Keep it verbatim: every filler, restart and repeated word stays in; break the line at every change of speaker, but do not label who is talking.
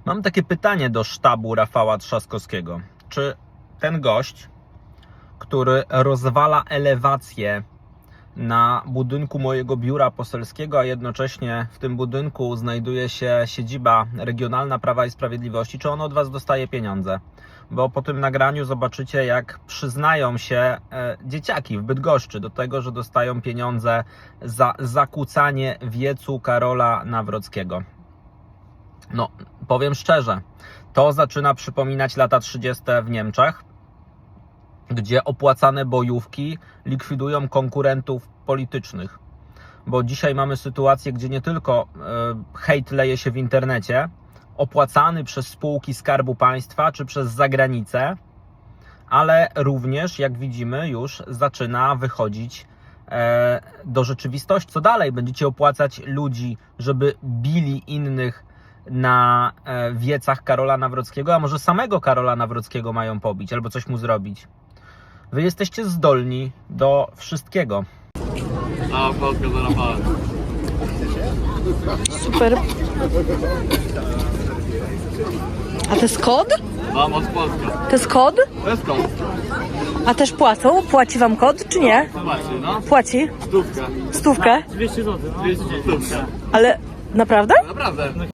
Mam takie pytanie do sztabu Rafała Trzaskowskiego. Czy ten gość, który rozwala elewację na budynku mojego biura poselskiego, a jednocześnie w tym budynku znajduje się siedziba regionalna Prawa i Sprawiedliwości, czy on od Was dostaje pieniądze? Bo po tym nagraniu zobaczycie, jak przyznają się e, dzieciaki w Bydgoszczy do tego, że dostają pieniądze za zakłócanie wiecu Karola Nawrockiego. No, powiem szczerze, to zaczyna przypominać lata trzydzieste w Niemczech, gdzie opłacane bojówki likwidują konkurentów politycznych. Bo dzisiaj mamy sytuację, gdzie nie tylko e, hejt leje się w internecie, opłacany przez spółki Skarbu Państwa czy przez zagranicę, ale również, jak widzimy, już zaczyna wychodzić e, do rzeczywistości. Co dalej? Będziecie opłacać ludzi, żeby bili innych na e, wiecach Karola Nawrockiego, a może samego Karola Nawrockiego mają pobić albo coś mu zrobić. Wy jesteście zdolni do wszystkiego.
A, Polska za Rafałem.
Super. A to jest kod?
Vamos Polska.
To jest kod?
To jest kąt.
A też płacą? Płaci wam kod, czy nie?
Zobaczcie, no.
Płaci?
Stówka.
Stówkę?
dwieście złotych. dwieście złotych. Stówka.
Ale naprawdę?
Naprawdę.